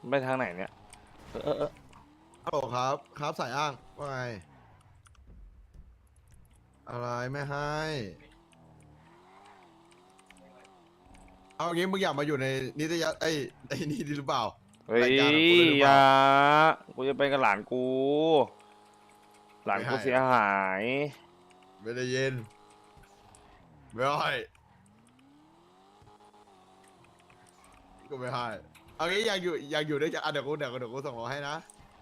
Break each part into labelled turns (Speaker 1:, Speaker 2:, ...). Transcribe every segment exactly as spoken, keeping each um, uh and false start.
Speaker 1: ไปทางไหนเนี่ยเออเออเออ
Speaker 2: ฮัลโหลครับครับสายอ้างว่าไงอะไรไม่ให้เอางี้มึงอยากมาอยู่ในนิตยสารไอ้ไอ้นี่ดีหรือเปล่า
Speaker 1: เฮ้ย
Speaker 2: รายการของกูเลยหรือเป
Speaker 1: อย่า
Speaker 2: ล่า
Speaker 1: กูจะไปกับหลานกูหลาน
Speaker 2: ไม่ให้
Speaker 1: กูเสียหาย
Speaker 2: ไม่ได้ยินไม่ให้ก็ไม่ให้เอางี้อยากอยู่อยากอยู่ด้วยกันอ่ะเดี๋ยวกูเดี๋ยวกูเดี๋ยวกูส่งรถให้นะ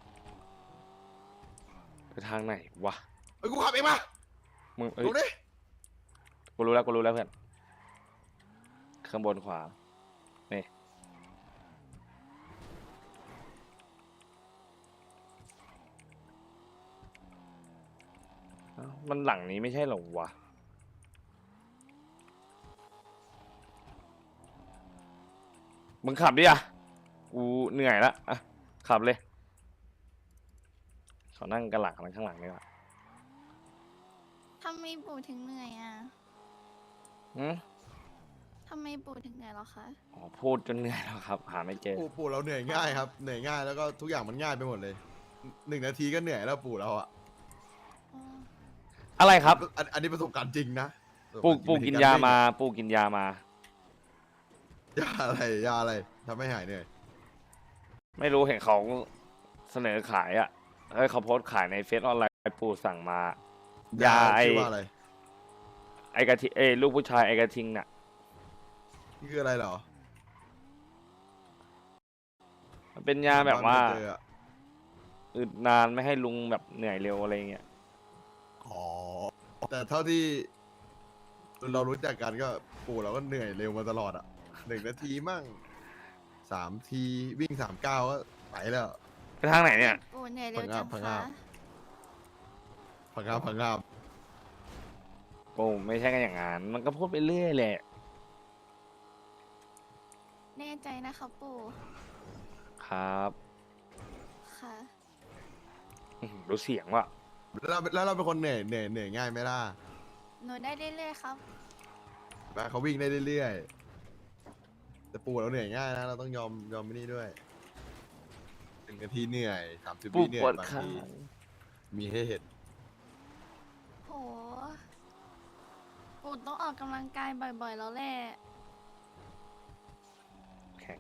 Speaker 1: ไปทางไหนวะ
Speaker 2: เอ้ยกูขับเองมา
Speaker 1: มึงเอ้ย
Speaker 2: ลงดิ
Speaker 1: กูรู้แล้วกูรู้แล้วเพื่อนข้างบนขวานี่เอ้ามันหลังนี้ไม่ใช่เหรอวะมึงขับดิอ่ะกูเหนื่อยละอ่ะขับเลยเขานั่งกันหลังข้างหลังนี่ละ
Speaker 3: ทำไมปู่ถึงเหนื่อยอ่ะ
Speaker 1: อืม
Speaker 3: ทำไมปู่ถึงเหนื่อยเหรอคะ
Speaker 1: อ๋อพูดจนเหนื่อยแล้วครับ หาไม่เจอ
Speaker 2: ปู่ปู่เราเหนื่อยง่ายครับเหนื่อยง่ายแล้วก็ทุกอย่างมันง่ายไปหมดเลยหนึ่งนาทีก็เหนื่อยแล้วปู่เราอ่ะ
Speaker 3: อ๋อ
Speaker 1: อะไรครับ
Speaker 2: อันอันนี้ประสบการณ์จริงนะ
Speaker 1: ปู
Speaker 2: ประสบ
Speaker 1: ปู
Speaker 2: รณ์จริ
Speaker 1: กิ
Speaker 2: ง
Speaker 1: น
Speaker 2: ใร
Speaker 1: ยา
Speaker 2: วิ่ง
Speaker 1: มาปูกินยามา
Speaker 2: ยาอะไรยาอะไรทำให้หายเหนื่อย
Speaker 1: ไม่รู้เห็นเขาเสนอขายอ่ะเฮ้ยเขาโพสต์ขายในเฟซออนไลน์ปูสั่งมา ยาไอ
Speaker 2: ชื่อว่าอะไร
Speaker 1: ไอกระทิเอยลูกผู้ชายไอกระทิงน่ะ
Speaker 2: นี่คืออะไรเหรอ
Speaker 1: มันเป็นยาแบบว่า
Speaker 2: ไม่เจออะ
Speaker 1: อึดนานไม่ให้ลุงแบบเหนื่อยเร็วอะไรเงี้ย
Speaker 2: อ๋อแต่เท่าที่เรารู้จักกันก็ปู่เราก็เหนื่อยเร็วมาตลอดอ่ะหนึ่งนาทีมั่งสามทีวิ่งสามเก้าวก็ไปแล้ว
Speaker 1: ไปทางไหนเนี่ย
Speaker 3: ปู่เหนื่อยเร็วจัง
Speaker 2: พังงา
Speaker 3: คะ
Speaker 2: บ พังงาบพังงาบ
Speaker 1: ปูไม่ใช่กันอย่างนั้นมันก็พูดไปเรื่อยแหละ
Speaker 3: แน่ใจนะคะปู่
Speaker 1: ครับ
Speaker 3: ค่ะ
Speaker 1: อื้อหือรู้เสียงว่ะ
Speaker 2: แล้วเราแล้วเราเป็นคนเหนื่อยเหนื่อยเหนื่อยง่ายไหมล่ะ
Speaker 3: หนูได้เรื่อยๆครับ
Speaker 2: แม่เขาวิ่งได้เรื่อยๆแต่ปู่เราเหนื่อยง่ายนะเราต้องยอมยอมไม่นี่ด้วยหนึ่งนาทีเหนื่อยสามสิบ
Speaker 1: ปู
Speaker 2: วิเหนื่
Speaker 1: ป
Speaker 2: อ
Speaker 1: วย ด
Speaker 2: บาง
Speaker 1: ขา
Speaker 2: ทีมีให้เห็น
Speaker 3: โห ปู่ต้องออกกำลังกายบ่อยๆ แล้วแหละ
Speaker 1: แข็ง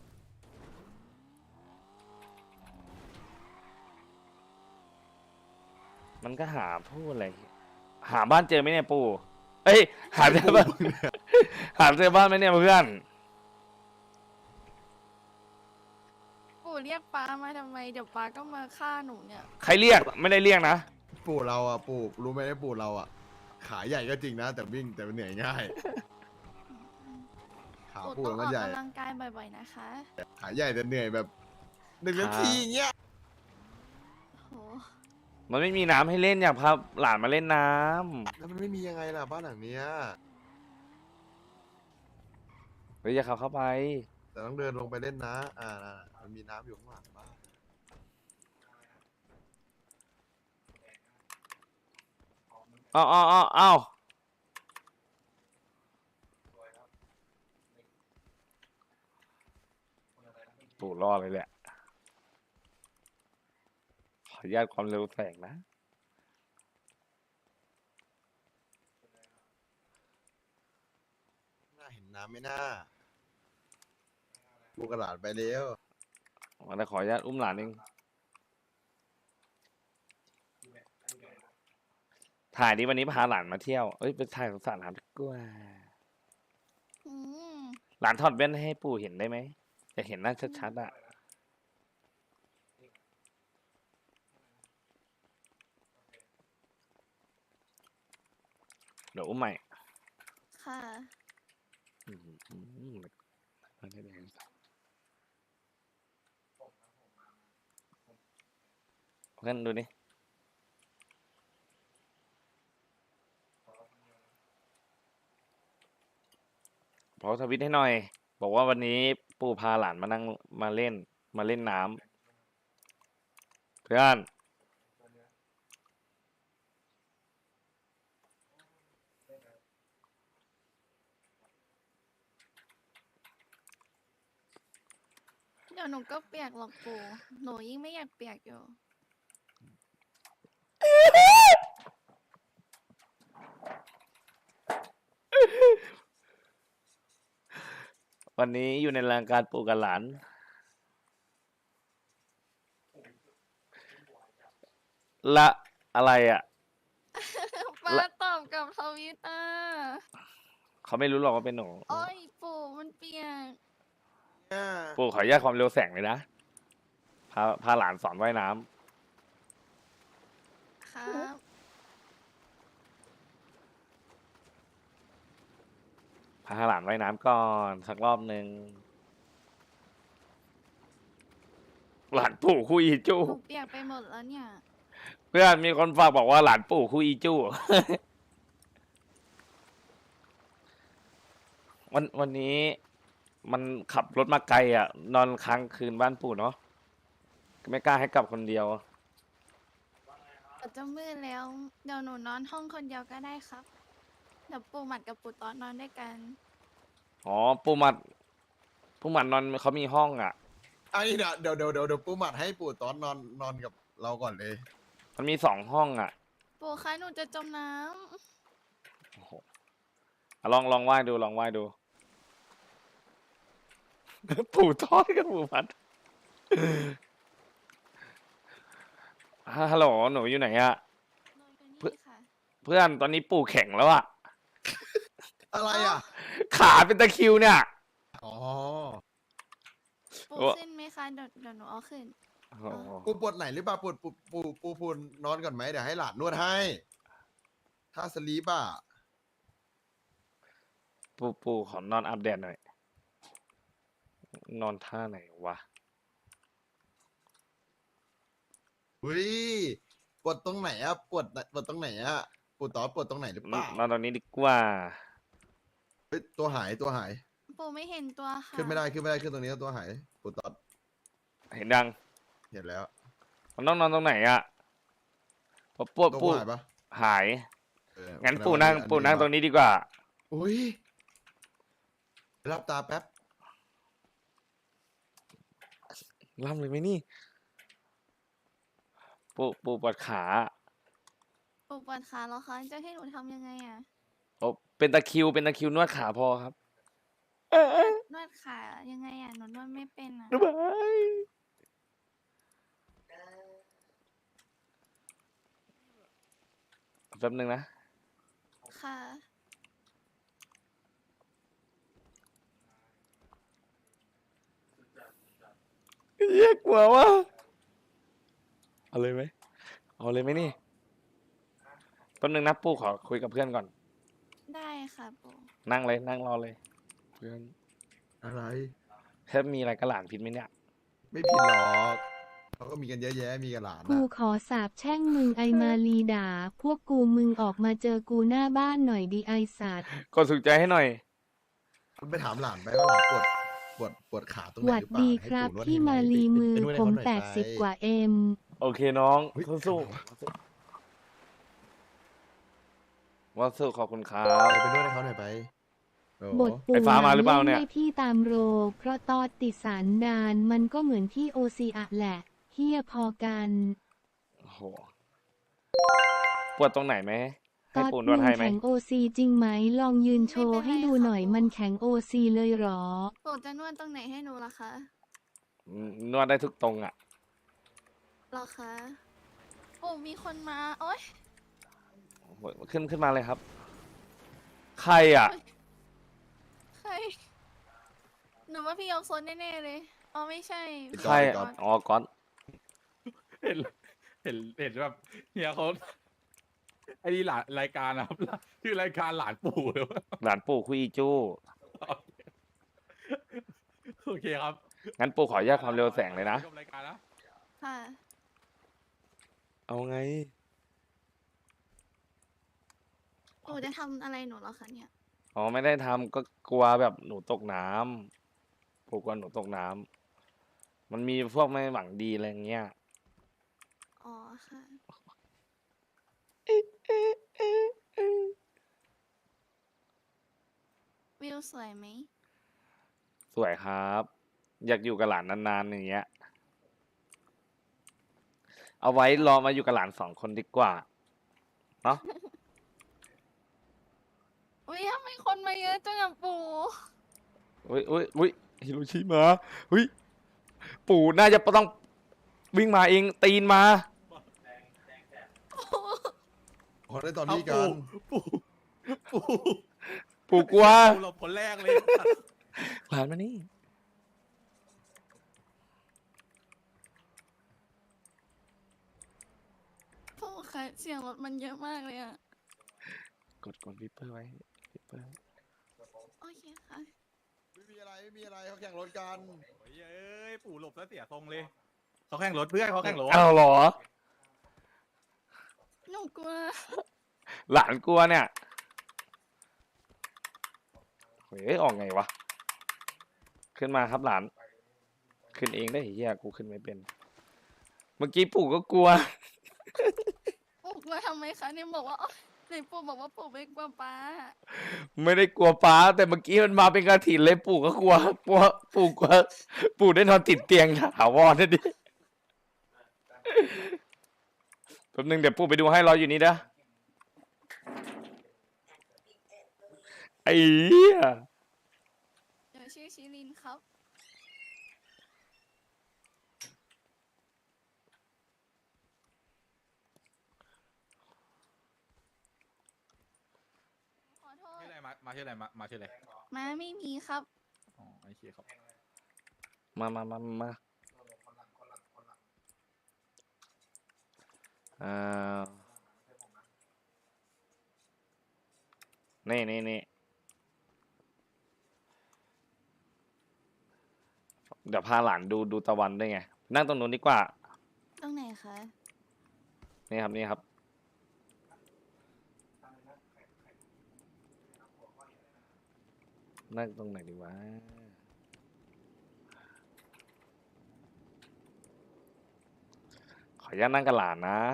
Speaker 1: มันก็หาพูดอะไรหาบ้านเจอไหมเนี่ยปูเอ้ยหาเจอบ้าน หาเจอบ้านไหมเนี่ยเพื่อน
Speaker 3: ปู่เรียกป้ามาทำไม เดี๋ยวป้าก็มาฆ่าหนูเนี่ย
Speaker 1: ใครเรียกไม่ได้เรียกนะ
Speaker 2: ปู่เราอ่ะปู่รู้ไหมว่าปู่เราอ่ะขาใหญ่ก็จริงนะ แต่วิ่งแต่เหนื่อยง่ายขา
Speaker 3: ปู่
Speaker 2: ปู่
Speaker 3: ต้องอ
Speaker 2: มั
Speaker 3: อน ก
Speaker 2: ใหญ่
Speaker 3: กำลังกายบ่อยๆ นะคะ
Speaker 2: ขาใหญ่แต่เหนื่อยแบบหนึ่งนาทีอย่างเงี้ย
Speaker 3: โห
Speaker 1: มันไม่มีน้ำให้เล่นอยากพาหลานมาเล่นน้ำ
Speaker 2: แล้วมันไม่มียังไงล่ะบ้านหลังเนี้ย
Speaker 1: เฮ้ยอย่าขับเข้าไป
Speaker 2: แต่ต้องเดินลงไปเล่นนะอ่าน่ะมันมีน้ำอยู่ข้างหลังบ้าน
Speaker 1: อ้าวอ้าวอ้าวอ้าวตู่รอดเลยแหละ ขออนุญาตความเร็วแสงนะ
Speaker 2: น่าเห็นน้ำไหม่น่าลูกกระดาษไปเร็ว
Speaker 1: มาแต่ขออนุญาตอุ้มหลานเอง ถ่ายดิวันนี้พาหลานมาเที่ยว เอ้ยไปถ่ายสงสารหลานดีกว่า
Speaker 3: อืม
Speaker 1: หลานถอดแว่นให้ปู่เห็นได้ไหมอยากเห็นหน้าชัดๆอ่ะ เดี๋ยวอุ้มใหม่
Speaker 3: ค่ะ
Speaker 1: อืมอืมไม่ได้แดงเพื่อนดูนี่พอทวิตให้หน่อย บอกว่าวันนี้ปู่พาหลานมานั่งมาเล่น มาเล่นน้ำเพื่อน
Speaker 3: ดี๋ยวหนูก็เปียกหรอกปู่หนูยิ่งไม่อยากเปียกอยู่
Speaker 1: วันนี้อยู่ในรายการปู่กับหลาน ละอะไรอ่ะ
Speaker 3: ป้า
Speaker 1: ละ
Speaker 3: ตอบกับทวิตอ่ะ
Speaker 1: เขาไม่รู้หรอกว่าเป็นหนู
Speaker 3: โอ้ยปู่มันเปียก
Speaker 2: เนี่ย
Speaker 1: ปู่ขออนุญาตความเร็วแสงเลยนะ พาพาหลานสอนว่ายน้ำ
Speaker 3: ครับ
Speaker 1: พาหลานว่ายน้ำก่อนสักรอบหนึ่งหลานปู่คู่อีจู้
Speaker 3: หนูเปียกไปหมดแล้วเนี่ย
Speaker 1: เพื่อนมีคนฝากบอกว่าหลานปู่คู่อีจู้ วันวันนี้มันขับรถมาไกลอ่ะ นอนค้างคืนบ้านปู่เนาะไม่กล้าให้กลับคนเดียว
Speaker 3: เดี๋ยวจะมืดแล้ว เดี๋ยวหนูนอนห้องคนเดียวก็ได้ครับ เดี๋ยวปู่หมัดกับปู่ตอนนอนด้วยกัน
Speaker 1: อ๋อ ปู่หมัดปู่หมัดนอนเขามีห้องอ่ะ
Speaker 2: อันนี้เดี๋ยวเดี๋ยวเดี๋ยวเดี๋ยวเดี๋ยวปูหมัดให้ปู่ตอนนอนนอนกับเราก่อนเลย
Speaker 1: มันมีสองห้องอ่ะ
Speaker 3: ปู่คะหนูจะจมน้
Speaker 1: โอ้โหอ่ะลองลองว่ายดูลองว่ายดู ปู่ทอดกับปู่พัด ฮัลโหลหนูอยู่ไหนอะ
Speaker 3: ำนอนกันนี่ค่ะ
Speaker 1: เพื่อนตอนนี้ปู่แข็งแล้วอะ
Speaker 2: อะไรอ่ะ
Speaker 1: ขาเป็นตะคริวเนี่ย
Speaker 2: อ๋อ
Speaker 3: ปู่
Speaker 1: โอ้
Speaker 3: ขึ้นไหมคะเดี๋ยวเดี๋ยวหนูเอาขึ้น
Speaker 1: โอ้โห
Speaker 2: ปูปวดไหนหรือเปล่าปวดปูปูปูปูนนอนก่อนไหมเดี๋ยวให้หลานนวดให้ ถ้าสลีปอ่ะ
Speaker 1: ปู่ปู่ขอนอนอาบแดดหน่อย นอนท่าไหนวะ
Speaker 2: อุ้ยปวดตรงไหนอ่ะปวดปวดตรงไหนอ่ะปูตอนปวดตรงไหนหรือเปล่าน
Speaker 1: อนตรงนี้ดีกว่า
Speaker 2: เฮ้ยตัวหายตัวหาย
Speaker 3: ปู่ไม่เห็นตัวค่ะ
Speaker 2: ขึ้นไม่ได้ขึ้นไม่ได้ขึ้นตรงนี้ตัวหายปูตอน
Speaker 1: เห็นยัง
Speaker 2: เห็นแล้ว
Speaker 1: มันต้องนอนตรงไหนอะพอปวด
Speaker 2: ตัว
Speaker 1: ปู่
Speaker 2: หายปะ
Speaker 1: หาย
Speaker 2: เออ
Speaker 1: งั้น
Speaker 2: แสด
Speaker 1: ปู่
Speaker 2: ว่า
Speaker 1: นั่ง
Speaker 2: อั
Speaker 1: ปู่นั่งตรงนี้ดีกว่า
Speaker 2: อุ้ยรับตาแป๊บ
Speaker 1: ล่ำเลยไหมนี่ ปู่ปู่ปวดขา
Speaker 3: ปู่ปวดขาแล้วคะจะให้หนูทำยังไงอ่ะ
Speaker 1: โอ้เป็นตะคริวเป็นตะคริวนวดขาพอครับ
Speaker 3: นวดขายังไงอ่ะหนูนวดไม่เป็นอ่ะ
Speaker 1: บ๊ายบายแป๊บนึงนะ
Speaker 3: ค่ะ
Speaker 1: เยี่ยกลัววะเอาเลยไหม เอาเลยไหมนี่แป๊บนึงนะปู่ขอคุยกับเพื่อนก่อน
Speaker 3: ได้ค่ะปู่
Speaker 1: นั่งเลยนั่งรอเลย เพื่อน
Speaker 2: อะไร
Speaker 1: แค่มีอะไรกระหลานผิดไหมเนี่ย
Speaker 2: ไม่ผิดหรอกเขาก็มีกันเยอะแยะมีกันหลาน
Speaker 4: กู
Speaker 2: นะ
Speaker 4: ขอสาบแช่งมึงไอมาลีด่า พวกกูมึงออกมาเจอกูหน้าบ้านหน่อยดีไอสัตว์
Speaker 1: กดสุขใจให้หน่อย
Speaker 2: มันไปถามหลานไปว่าหลานปวดปวดปวดขาตรงไหน
Speaker 4: หวัด
Speaker 2: หรือเปล่า
Speaker 4: ดี
Speaker 2: ให้
Speaker 4: ครับ
Speaker 2: ปู่นวด
Speaker 4: พี่
Speaker 2: ให้ไห
Speaker 4: มาลีมือ
Speaker 2: ไปนวดให้
Speaker 4: ผม
Speaker 2: เขาหน่อย
Speaker 4: แปดสิบ
Speaker 2: ไป
Speaker 4: กว่าเอ็ม
Speaker 1: โอเคน้อง
Speaker 2: เฮ้ย
Speaker 1: สู้ๆว่าสู้ขอบคุณครับ
Speaker 2: ไปไปนวดให้เขาหน่อยไปโอ้
Speaker 4: บทปู
Speaker 1: ไอ้ฟ้ามาหรือเปล่าเนี่ย
Speaker 4: ให้พี่ตามโร เพราะตอดติดสารดานมันก็เหมือนที่โอซีอะแหละเฮียพอกัน
Speaker 1: โอ้โหปวดตรงไหนไหม
Speaker 4: ต
Speaker 1: ให้
Speaker 4: อด
Speaker 1: ปู่น
Speaker 4: มึ
Speaker 1: วด
Speaker 4: ง
Speaker 1: ให้ไหม
Speaker 4: แข็งโอซีจริงไหมลองยืนโชว์ให้ดูหน่อยมันแข็งโอซีเลยเหรอ
Speaker 3: ปู่จะนวดตรงไหนให้หนูล่ะคะ
Speaker 1: อืมนวดได้ทุกตรงอ่ะ
Speaker 3: หรอคะปู่มีคนมาโอ๊ย
Speaker 1: โอ้โหขึ้นขึ้นมาเลยครับ ใครอ่ะ
Speaker 3: ใครหนูว่าพี่ยกโซนแน่ๆเลยอ๋อไม่ใช่
Speaker 1: ใครอ่ะอ๋อก้อน
Speaker 5: เห็นเห็นเห็นแบบเฮียเขาไอ้นี่หลานรายการนะครับชื่อรายการหลานปู่เลยวะ
Speaker 1: หลานปู่คุยอีจู้
Speaker 5: โอเคครับ
Speaker 1: งั้นปู่ขออนุญาตความเร็วแสงเลยนะ
Speaker 5: ชมรายการนะ
Speaker 3: ค่ะ
Speaker 1: เอาไง
Speaker 3: ปู่จะทำอะไรหนูเหรอคะเนี่ย
Speaker 1: อ๋อไม่ได้ทำก็กลัวแบบหนูตกน้ำปู่กลัวหนูตกน้ำมันมีพวกไม่หวังดีอะไรอย่างเงี้ย
Speaker 3: อ๋อค่ะ วิวสวยไหม
Speaker 1: สวยครับอยากอยู่กับหลานนานๆอย่างเงี้ย เอาไว้รอมาอยู่กับหลานสองคนดีกว่า เนาะ
Speaker 3: อุ้ยทำไมคนมาเยอะจังอะปู่
Speaker 1: อุ้ยอุ้ยอุ้ยฮิโรชิมาอุ้ย ปู่น่าจะต้องวิ่งมาเองตีนมา
Speaker 2: ขอได้ตอน
Speaker 5: เอา
Speaker 2: นี้กัน
Speaker 5: ปู่ปู่ปู่
Speaker 1: ปู่กลัว
Speaker 5: ปู่หลบคนแรกเลย
Speaker 1: หลานมานี่
Speaker 3: ปู่คะเสียงรถมันเยอะมากเลยอะ
Speaker 1: กดกดวิปเปอร์ไว้วิปเปอร์
Speaker 3: โอเคค่ะ
Speaker 2: ไม่มีอะไรไม่มีอะไรเขาแข่งรถกัน
Speaker 5: โอ้ยเอ้ยปู่หลบแล้วเสียทรงเลยเขาแข่งรถเพื่อนเขาแข่งรถ
Speaker 1: เอาเหรอ
Speaker 3: หนูกลัว
Speaker 1: หลานกลัวเนี่ยเฮ้ยออกไงวะ ขึ้นมาครับหลาน ขึ้นเองได้เฮียกูขึ้นไม่เป็น เมื่อกี้ปู่ก็กลัว
Speaker 3: ปู่กลัวทำไมคะเนี่ยบอกว่าอ๋อไหนปู่บอกว่าปู่ไม่กลัวป้า
Speaker 1: ไม่ได้กลัวป้า แต่เมื่อกี้มันมาเป็นกระถิ่นเลยปู่ก็กลัวกลัวปู่กลัว ปู่ได้นอนติดเตียงถาวรนะดิแป๊บนึงเดี๋ยวปู่ไปดูให้รออยู่นี่นะไอ้เหี้ย
Speaker 3: เดี๋ยวชื่อชิลินครับ ขอโทษ
Speaker 5: ชื่ออะไรมามาชื่ออะไรมามาชื่ออะไร
Speaker 3: ม้าไม่มีครับ
Speaker 5: อ๋อไอเชียครับ
Speaker 1: มามามามาอ่านี่นี่นี่เดี๋ยวพาหลานดูดูตะวันด้วยไง นั่งตรงนู้นดีกว่า
Speaker 3: ตรงไหนคะ
Speaker 1: นี่ครับนี่ครับ นั่งตรงไหนดีวะ ขออนุญาตนั่งกับหลานนะ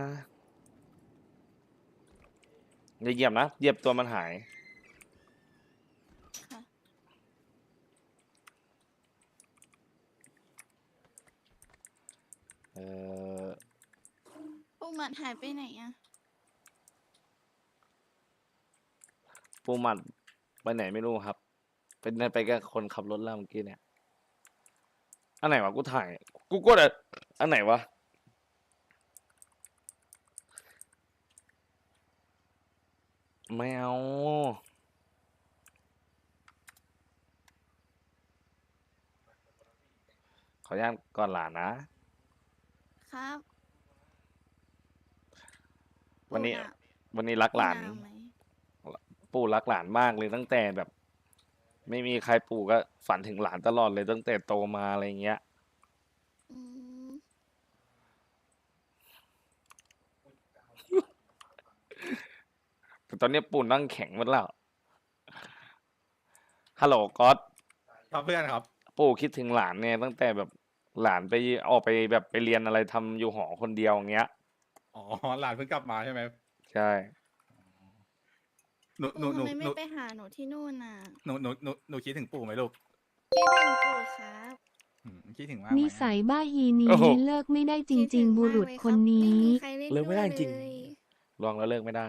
Speaker 1: อย่าเหยียบนะ เหยียบตัวมันหาย
Speaker 3: ค่ะ
Speaker 1: เออ
Speaker 3: ปู่หมัดหายไปไหนอะ
Speaker 1: ปูหมัดไปไหนไม่รู้ครับ เป็นไปกับคนขับรถแล้วเมื่อกี้เนี่ย อันไหนวะ กูถ่าย กูกดอะอันไหนวะ ไม่เอา ขออนุญาตก่อนหลานนะ
Speaker 3: ครับ
Speaker 1: วันนี้
Speaker 3: ปู่ะ
Speaker 1: วันนี้รักหลาน
Speaker 3: ปู่ะไหม
Speaker 1: ปู่รักหลานมากเลยตั้งแต่แบบ ไม่มีใครปู่ก็ฝันถึงหลานตลอดเลยตั้งแต่โตมาอะไรเงี้ย
Speaker 3: อืม
Speaker 1: แต่ตอนนี้ปู่นั่งแข็งหมดแล้ว ฮัลโหลก๊อต
Speaker 5: ครับเพื่อนครับ
Speaker 1: ปู่คิดถึงหลานเนี่ยตั้งแต่แบบหลานไปออกไปแบบไปเรียนอะไรทำอยู่หอคนเดียวอย่างเงี้ย
Speaker 5: อ๋อหลานเพิ่งกลับมาใช่ไหม
Speaker 1: ใช่
Speaker 5: หนูหนู
Speaker 3: ปู่
Speaker 5: หนู
Speaker 3: ทำไม
Speaker 5: หนู
Speaker 3: ไม่ไปหาหนูที่นู่นน่ะ
Speaker 5: หนูหนูหนูหนูคิดถึงปู่ไหมลูก
Speaker 3: คิดถึงปู่ครับ
Speaker 5: อืมคิดถึงมากไหม
Speaker 4: นิ
Speaker 5: อะ
Speaker 4: สัยบ้าฮีนี้
Speaker 1: โอ้โห
Speaker 4: เลิกไม่ได้จ
Speaker 3: คิดถึ
Speaker 4: ริง
Speaker 3: ง
Speaker 4: ๆ บุ
Speaker 3: มาก
Speaker 4: รุษ
Speaker 3: เลย
Speaker 4: คน
Speaker 3: รับ
Speaker 4: นี้
Speaker 3: ไม่มีใครเล่น
Speaker 1: เลิกไม่ได้
Speaker 3: ด้วย
Speaker 1: จริง
Speaker 3: เลย
Speaker 1: ลองแล้วเลิกไม่ได้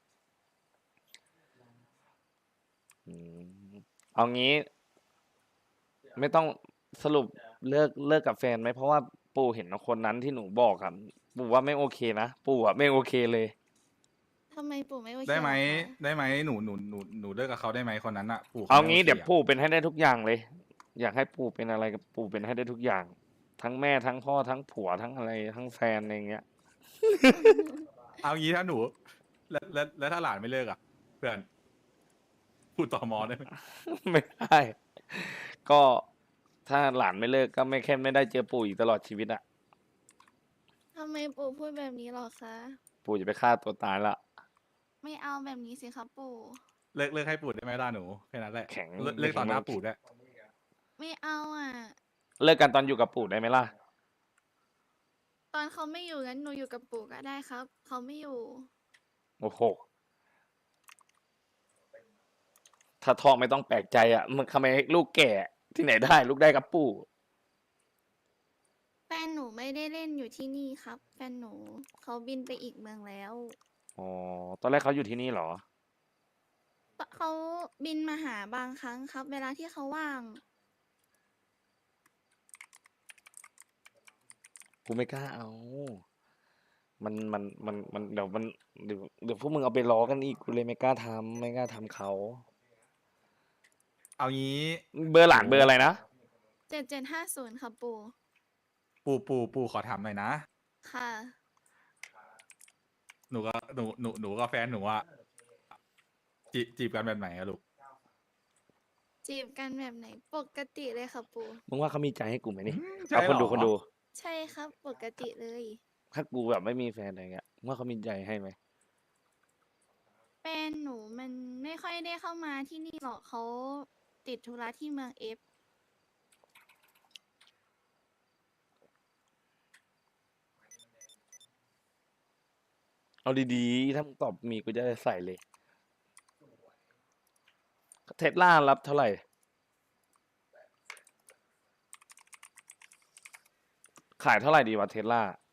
Speaker 1: อืมเอางี้ ไม่ต้องสรุปเลิกเลิกกับแฟนไหมเพราะว่าปู่เห็นคนนั้นที่หนูบอกครับปู่ว่าไม่โอเคนะปู่อะไม่โอเคเลย
Speaker 3: ทำไมปู่ไม่โอเค
Speaker 5: ได้ไหม
Speaker 3: ล่ะคะ
Speaker 5: ได้ไหมหนูหนูหนูหนูเลิกกับเขาได้ไหมคนนั้นอะปู่ข
Speaker 1: เอา
Speaker 5: ไม่
Speaker 1: งี้
Speaker 5: โค
Speaker 1: เดี๋ยว
Speaker 5: อะ
Speaker 1: ปู่เป็นให้ได้ทุกอย่างเลย อยากให้ปู่เป็นอะไรกับปู่เป็นให้ได้ทุกอย่าง ทั้งแม่ทั้งพ่อทั้งผัวทั้งอะไรทั้งแฟนอะไรอย่างเงี้ย
Speaker 5: เอางี้ถ้าหนูแล้วแล้วแล้วถ้าหลานไม่เลิกอะเพื่อนพูดต่อมอได้ไหม
Speaker 1: ไม่ได้ ก็ถ้าหลานไม่เลิกก็ไม่แค่ไม่ได้เจอปู่อีกตลอดชีวิตอะ
Speaker 3: ทำไมปู่พูดแบบนี้หรอคะ
Speaker 1: ปู่จะไปฆ่าตัวตายละ
Speaker 3: ไม่เอาแบบนี้สิครับปู่
Speaker 5: เลิกเลิกให้ปู่ได้ไหมล่ะหนูแค่นั้นแหละ
Speaker 1: แข็ง
Speaker 5: เลิกเลิกต่อหน้าปู่ได้วย
Speaker 3: ไม่เอาอ่ะ
Speaker 1: เลิกกันตอนอยู่กับปู่ได้ไหมล่ะ
Speaker 3: ตอนเขาไม่อยู่งั้นหนูอยู่กับปู่ก็ได้ครับ เขาไม่อยู่
Speaker 1: โอ้โห ถ้าท้องไม่ต้องแปลกใจอ่ะมันทำไมลูกแก่ที่ไหนได้ ลูกได้กับปู่
Speaker 3: ไม่ได้เล่นอยู่ที่นี่ครับ แฟนหนูเขาบินไปอีกเมืองแล้ว
Speaker 1: อ๋อ ตอนแรกเขาอยู่ที่นี่เหรอ
Speaker 3: เขาบินมาหาบางครั้งครับ เวลาที่เขาว่าง
Speaker 1: กูไม่กล้าเอา มันมันมันมันเดี๋ยวมันเดี๋ยวเดี๋ยวพวกมึงเอาไปล้อกันอีก กูเลยไม่กล้าทำไม่กล้าทำเขา
Speaker 5: เอางี้
Speaker 1: เบอร์หลานเบอร์อะไรนะ
Speaker 3: เจ็ดเจ็ดห้าศูนย์ครับปู่
Speaker 5: ปู่ปู่ปู่ขอถามหน่อยนะ
Speaker 3: ค่ะ
Speaker 5: หนูก็หนูหนูหนูกับแฟนหนูอะจีจีบกันแบบไหนอะลูก
Speaker 3: จีบกันแบบไหน ปกติเลยครับปู่
Speaker 1: มึงว่าเขามีใจให้กูไหมนี่
Speaker 5: ใช่
Speaker 1: เอาคนดู
Speaker 5: เหรอ
Speaker 1: คนดู
Speaker 3: ใช่ครับ ปกติเลย
Speaker 1: ถ้ากูแบบไม่มีแฟนอะไรเงี้ยมึงว่าเขามีใจให้ไหม
Speaker 3: แฟนหนูมันไม่ค่อยได้เข้ามาที่นี่หรอกเขาติดธุระที่เมืองเอฟ
Speaker 1: เอาดีๆ ถ้ามึงตอบมีกูจะได้ใส่เลย เทสลารับเท่าไหร่ ขายเท่าไหร่ดีวะเทสลา